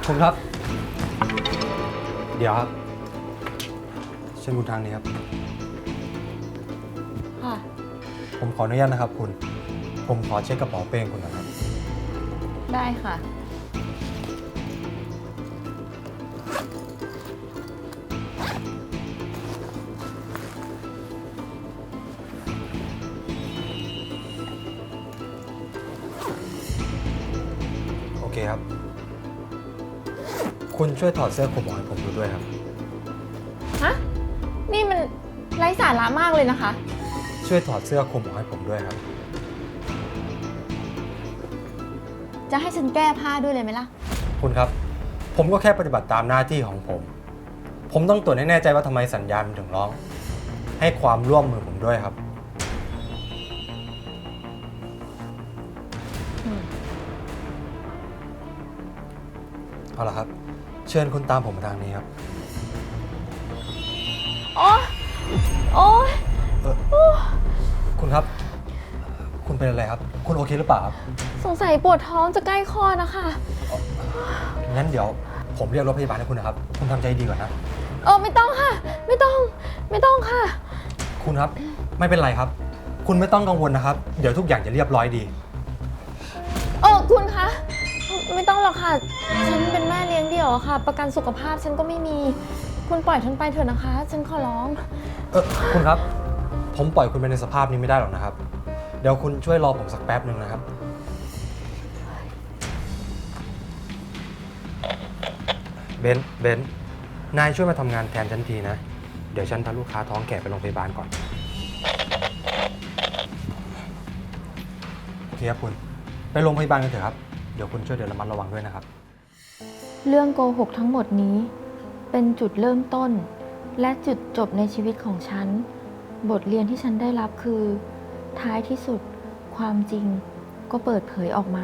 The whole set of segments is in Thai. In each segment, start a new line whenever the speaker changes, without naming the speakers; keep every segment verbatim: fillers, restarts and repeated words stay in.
คุณครับ เดี๋ยวครับเชิญคุณทางนี้ครับ
ค่ะ
ผมขออนุญาตนะครับคุณ ผมขอเช็คกระเป๋าเป้งคุณนะครับ
ได้ค่ะ
โอเคครับ คุณช่วยถอดเสื้อคลุมออกให้ผมดูด้วยครับ
ฮะ นี่มันไร้สาระมากเลยนะคะ
ช่วยถอดเสื้อคลุมออกให้ผมด้วยครับ
จะให้ฉันแก้ผ้าด้วยเลยไหมล่ะ
คุณครับ ผมก็แค่ปฏิบัติตามหน้าที่ของผม ผมต้องตรวจให้แน่ใจว่าทำไมสัญญาณมันถึงร้อง ให้ความร่วมมือผมด้วยครับ
อืม
เอาละครับ เชิญคุณตามผมมาทางนี้ครับ
โอ๊ยโอ๊ย
เออคุณครับ คุณเป็นอะไรครับ คุณโอเคหรือเปล่าครับ
สงสัยปวดท้องจะใกล้คลอดนะคะ
งั้นเดี๋ยวผมเรียกรถพยาบาลให้คุณนะครับ คุณทำใจดีก่อนนะ
เออไม่ต้องค่ะ ไม่ต้อง ไม่ต้องค่ะ
คุณครับ ไม่เป็นไรครับ คุณไม่ต้องกังวลนะครับ เดี๋ยวทุกอย่างจะเรียบร้อยดี
เออคุณคะ ไม่ต้องหรอกค่ะ ฉันเป็นแม่เลี้ยงเดี่ยวอะค่ะ ประกันสุขภาพฉันก็ไม่มี คุณปล่อยฉันไปเถอะนะคะ ฉันขอร้อง
เออคุณครับ ผมปล่อยคุณไปในสภาพนี้ไม่ได้หรอกนะครับ เดี๋ยวคุณช่วยรอผมสักแป๊บหนึ่งนะครับ เบนซ์เบนซ์นายช่วยมาทำงานแทนฉันทีนะ เดี๋ยวฉันพาลูกค้าท้องแก่ไปโรงพยาบาลก่อน โอเคครับคุณ ไปโรงพยาบาลกันเถอะครับ เดี๋ยวคุณช่วยเดินระมัดระวังด้วยนะครับ
เรื่องโกหกทั้งหมดนี้ เป็นจุดเริ่มต้น และจุดจบในชีวิตของฉัน บทเรียนที่ฉันได้รับคือ ท้ายที่สุด ความจริงก็เปิดเผยออกมา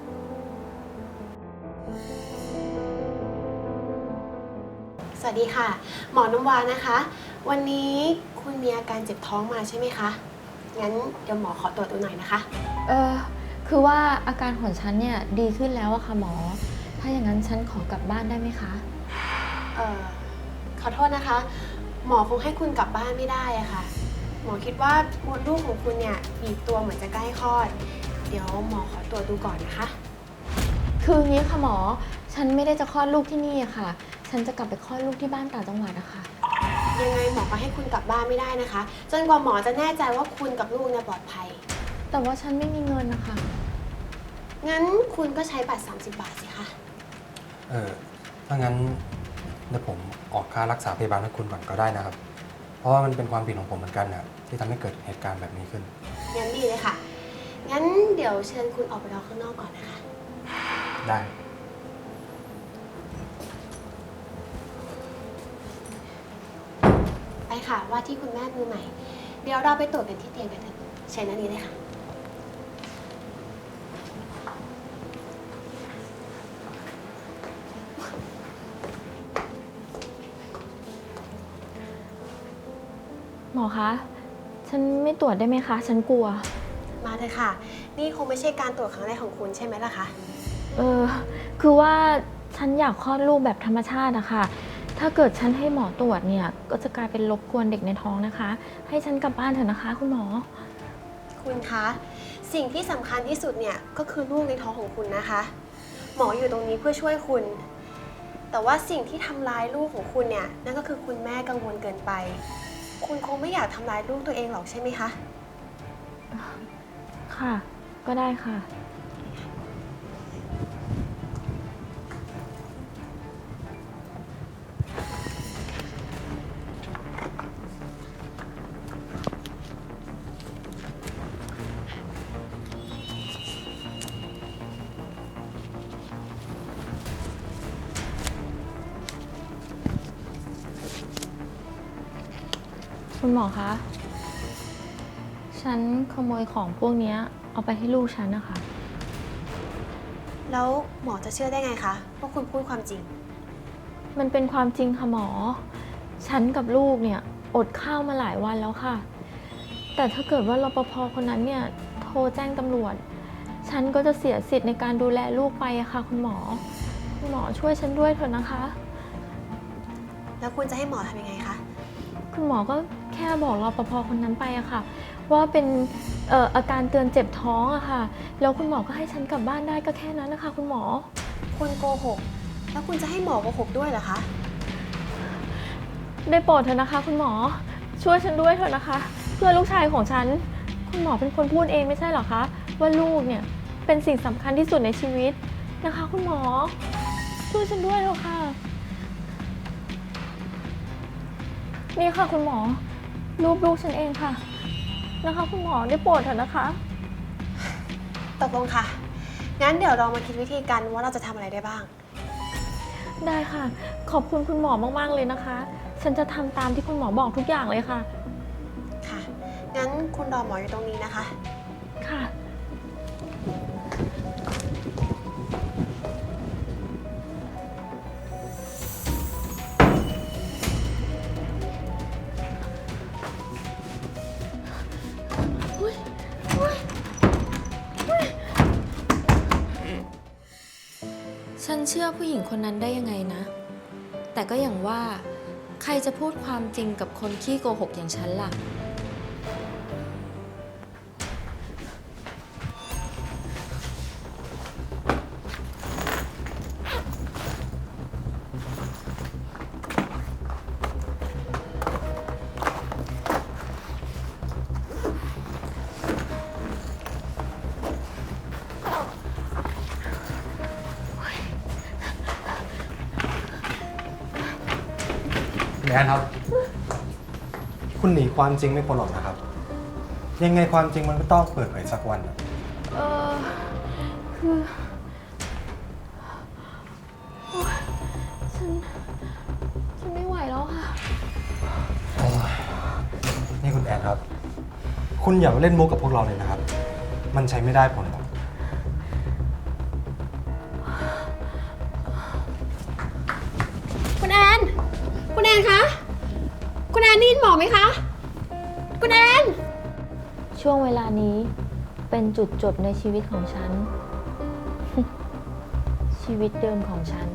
สวัสดีค่ะ หมอน้ำวานะคะ วันนี้คุณมีอาการเจ็บท้องมาใช่ไหมคะ งั้นเดี๋ยวหมอขอตรวจดูหน่อยนะคะ
เออคือว่าอาการของฉันเนี่ยดีขึ้นแล้วอะค่ะหมอ ถ้าอย่างนั้นฉันขอกลับบ้านได้ไหมคะ
เอ่อ ขอโทษนะคะ หมอคงให้คุณกลับบ้านไม่ได้อะค่ะ หมอคิดว่ามดลูกของคุณเนี่ยบีบตัวเหมือนจะใกล้คลอด เดี๋ยวหมอขอตรวจดูก่อนนะคะ
คืออย่างนี้ค่ะหมอ ฉันไม่ได้จะคลอดลูกที่นี่อะค่ะ ฉันจะกลับไปคลอดลูกที่บ้านต่างจังหวัดอะค่ะ
ยังไงหมอก็ให้คุณกลับบ้านไม่ได้นะคะ จนกว่าหมอจะแน่ใจว่าคุณกับลูกเนี่ยปลอดภัย
แต่ว่าฉันไม่มีเงินนะคะ
งั้นคุณก็ใช้บัตร สามสิบบาทสิคะ
เออถ้างั้นเดี๋ยวผมออกค่ารักษาพยาบาลให้คุณก่อนก็ได้นะครับ เพราะว่ามันเป็นความผิดของผมเหมือนกันนะที่ทำให้เกิดเหตุการณ์แบบนี้ขึ้น
งั้นดีเลยค่ะ งั้นเดี๋ยวเชิญคุณออกไปรอข้างนอกก่อนนะคะ
ได้
ไปค่ะว่าที่คุณแม่มือใหม่ เดี๋ยวเราไปตรวจกันที่เตียงกันเถอะเชิญนั่นนี้เลยค่ะ
หมอคะ ฉันไม่ตรวจได้ไหมคะ ฉันกลัว
มาเถอะค่ะ นี่คงไม่ใช่การตรวจครั้งแรกของคุณใช่ไหมล่ะคะ
เออ คือว่าฉันอยากคลอดลูกแบบธรรมชาติอะค่ะ ถ้าเกิดฉันให้หมอตรวจเนี่ย ก็จะกลายเป็นรบกวนเด็กในท้องนะคะ ให้ฉันกลับบ้านเถอะนะคะ คุณหมอ
คุณคะ สิ่งที่สำคัญที่สุดเนี่ยก็คือลูกในท้องของคุณนะคะ หมออยู่ตรงนี้เพื่อช่วยคุณ แต่ว่าสิ่งที่ทำร้ายลูกของคุณเนี่ยนั่นก็คือคุณแม่กังวลเกินไป คุณคงไม่อยากทำร้ายลูกตัวเองหรอกใช่ไหมคะ
ค่ะ ก็ได้ค่ะ คุณหมอคะ ฉันขโมยของพวกเนี้ยเอาไปให้ลูกฉันนะคะ
แล้วหมอจะเชื่อได้ไงคะว่าคุณพูดความจริง
มันเป็นความจริงค่ะหมอ ฉันกับลูกเนี่ยอดข้าวมาหลายวันแล้วค่ะ แต่ถ้าเกิดว่ารปภคนนั้นเนี่ยโทรแจ้งตำรวจ ฉันก็จะเสียสิทธิ์ในการดูแลลูกไปอะค่ะคุณหมอ พคุณหมอช่วยฉันด้วยเถอะนะคะ
แล้วคุณจะให้หมอทำยังไงคะ
คุณหมอก็แค่บอกรปภคนนั้นไปอะค่ะ ว่าเป็นเอ่ออาการเตือนเจ็บท้องอะค่ะ แล้วคุณหมอก็ให้ฉันกลับบ้านได้ก็แค่นั้นนะคะ คุณหมอ
คุณโกหก แล้วคุณจะให้หมอโกหกด้วยเหรอคะ
ได้โปรดเถอะนะคะ คุณหมอช่วยฉันด้วยเถอะนะคะ เพื่อลูกชายของฉัน คุณหมอเป็นคนพูดเองไม่ใช่เหรอคะว่าลูกเนี่ยเป็นสิ่งสำคัญที่สุดในชีวิตนะคะ คุณหมอช่วยฉันด้วยเถอะค่ะนี่ค่ะคุณหมอรูปลูกฉันเองค่ะนะคะ คุณหมอได้โปรดเถอะนะคะ
ตกลงค่ะ งั้นเดี๋ยวเรามาคิดวิธีกันว่าเราจะทำอะไรได้บ้าง
ได้ค่ะ ขอบคุณคุณหมอมากๆเลยนะคะ ฉันจะทำตามที่คุณหมอบอกทุกอย่างเลยค่ะ
ค่ะ งั้นคุณรอหมออยู่ตรงนี้นะคะ
ค่ะ
ฉันเชื่อผู้หญิงคนนั้นได้ยังไงนะ แต่ก็อย่างว่าใครจะพูดความจริงกับคนขี้โกหกอย่างฉันล่ะ
แอนครับ คุณหนีความจริงไม่พ้นหรอกนะครับ ยังไงความจริงมันก็ต้องเปิดเผยสักวันอะ
เออคือโอ๊ยฉัน ฉันไม่ไหวแล้วค่ะ
โอ้ยนี่คุณแอนครับ คุณอย่ามาเล่นมุกกับพวกเราเลยนะครับ มันใช้ไม่ได้ผลหรอก
คุณแอน คุณแอนคะ คุณแอนได้ยินหมอไหมคะ คุณแอน
ช่วงเวลานี้เป็นจุดจบในชีวิตของฉัน ชีวิตเดิมของฉัน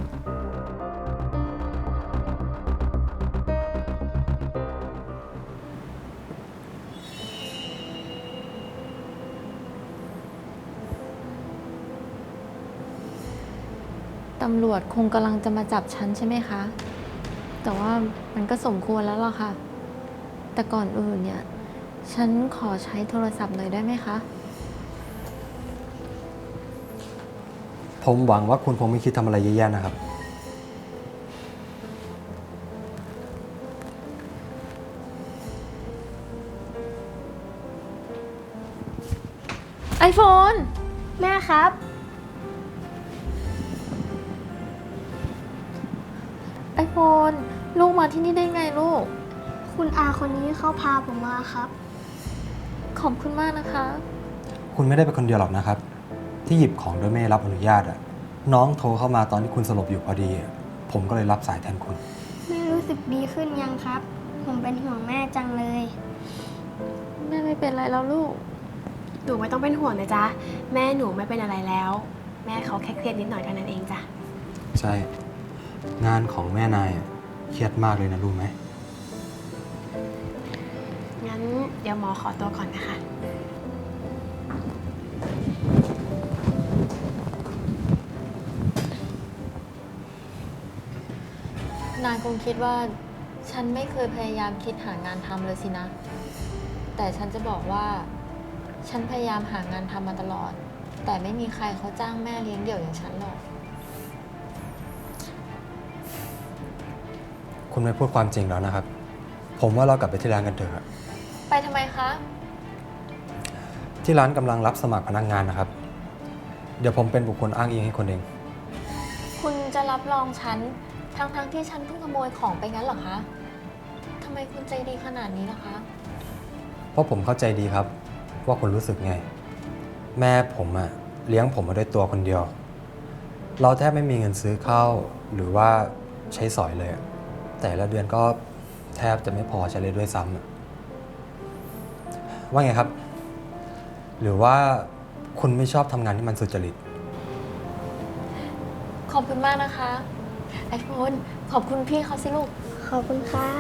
ตำรวจคงกำลังจะมาจับฉันใช่ไหมคะ แต่ว่ามันก็สมควรแล้วล่ะค่ะ แต่ก่อนอื่นเนี่ย ฉันขอใช้โทรศัพท์หน่อยได้ไหมคะ
ผมหวังว่าคุณคงไม่คิดทำอะไรแย่ๆนะครับ
ไอโฟน
แม่ครับ
ไอโฟน ลูกมาที่นี่ได้ไงลูก
คุณอาคนนี้เขาพาผมมาครับ
ขอบคุณมากนะคะ
คุณไม่ได้เป็นคนเดียวหรอกนะครับ ที่หยิบของโดยไม่ได้รับอนุญาตอะน้องโทรเข้ามาตอนที่คุณสลบอยู่พอดีอะผมก็เลยรับสายแทนคุณ
แม่รู้สึกดีขึ้นยังครับ ผมเป็นห่วงแม่จังเลย
แม่ไม่เป็นไรแล้วลูก
หนูไม่ต้องเป็นห่วงนะจ๊ะ แม่หนูไม่เป็นอะไรแล้ว แม่เขาแค่เครียดนิดหน่อยเท่านั้นเองจ้ะ
ใช่ งานของแม่นายอะเครียดมากเลยนะรู้ไหม
งั้นเดี๋ยวหมอขอตัวก่อนนะคะ
นายคงคิดว่าฉันไม่เคยพยายามคิดหางานทำเลยสินะ แต่ฉันจะบอกว่า ฉันพยายามหางานทำมาตลอด แต่ไม่มีใครเขาจ้างแม่เลี้ยงเดี่ยวอย่างฉันหรอก
คุณไม่พูดความจริงแล้วนะครับ ผมว่าเรากลับไปที่ร้านกันเถอะ
ไปทำไมคะ
ที่ร้านกำลังรับสมัครพนักงานนะครับ เดี๋ยวผมเป็นบุคคลอ้างอิงให้คนเอง
คุณจะรับรองฉัน ทั้งๆทที่ฉันเพิ่งขโมยของไปงั้นเหรอคะทำไมคุณใจดีขนาดนี้ล่ะคะ
เพราะผมเข้าใจดีครับ ว่าคุณรู้สึกไง แม่ผมอะเลี้ยงผมมาด้วยตัวคนเดียว เราแทบไม่มีเงินซื้อข้าวหรือว่าใช้สอยเลยอะแต่ละเดือนก็แทบจะไม่พอใช้เลยด้วยซ้ำอะว่าไงครับ หรือว่าคุณไม่ชอบทำงานที่มันสุจริต
ข
ขอบคุณมากนะคะไอโฟนขอบคุณพี่เขาสิลูก
ขอบคุณครับ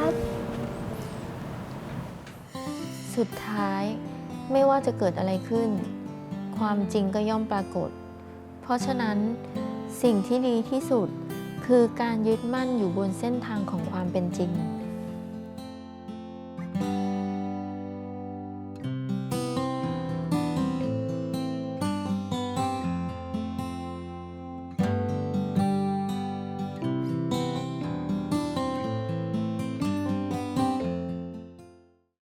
สุดท้ายไม่ว่าจะเกิดอะไรขึ้น ความจริงก็ย่อมปรากฏ เพราะฉะนั้นสิ่งที่ดีที่สุดคือการยึดมั่นอยู่บนเส้นทางของความเป็นจริง